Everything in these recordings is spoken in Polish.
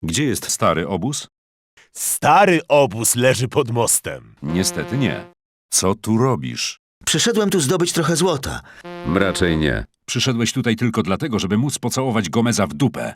Gdzie jest stary obóz? Stary obóz leży pod mostem. Niestety nie. Co tu robisz? Przyszedłem tu zdobyć trochę złota. Raczej nie. Przyszedłeś tutaj tylko dlatego, żeby móc pocałować Gomeza w dupę.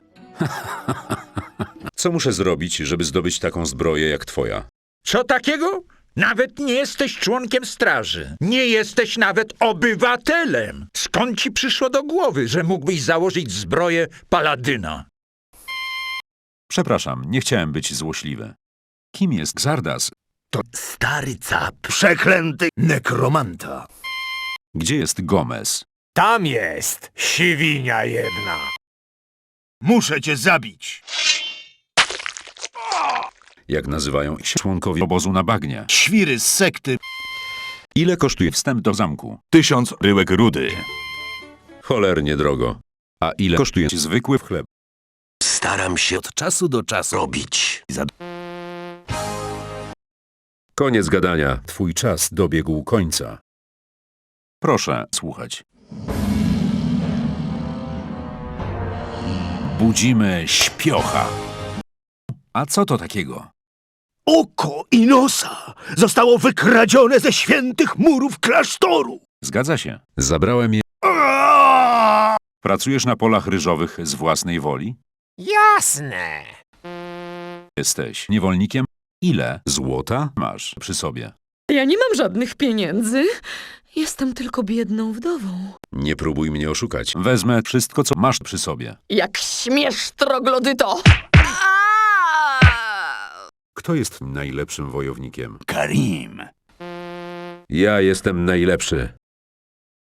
Co muszę zrobić, żeby zdobyć taką zbroję jak twoja? Co takiego? Nawet nie jesteś członkiem straży. Nie jesteś nawet obywatelem. Skąd ci przyszło do głowy, że mógłbyś założyć zbroję paladyna? Przepraszam, nie chciałem być złośliwy. Kim jest Xardas? Stary cap. Przeklęty nekromanta. Gdzie jest Gomez? Tam jest, siwinia jedna. Muszę cię zabić. Jak nazywają się członkowie obozu na bagnie? Świry z sekty. Ile kosztuje wstęp do zamku? 1000 bryłek rudy. Cholernie drogo. A ile kosztuje zwykły chleb? Staram się od czasu do czasu robić. Koniec gadania. Twój czas dobiegł końca. Proszę słuchać. Budzimy śpiocha. A co to takiego? Oko Inosa zostało wykradzione ze świętych murów klasztoru. Zgadza się. Zabrałem je. Pracujesz na polach ryżowych z własnej woli? Jasne. Jesteś niewolnikiem? Ile złota masz przy sobie? Ja nie mam żadnych pieniędzy. Jestem tylko biedną wdową. Nie próbuj mnie oszukać. Wezmę wszystko, co masz przy sobie. Jak śmiesz, troglodyto! Kto jest najlepszym wojownikiem? Karim. Ja jestem najlepszy.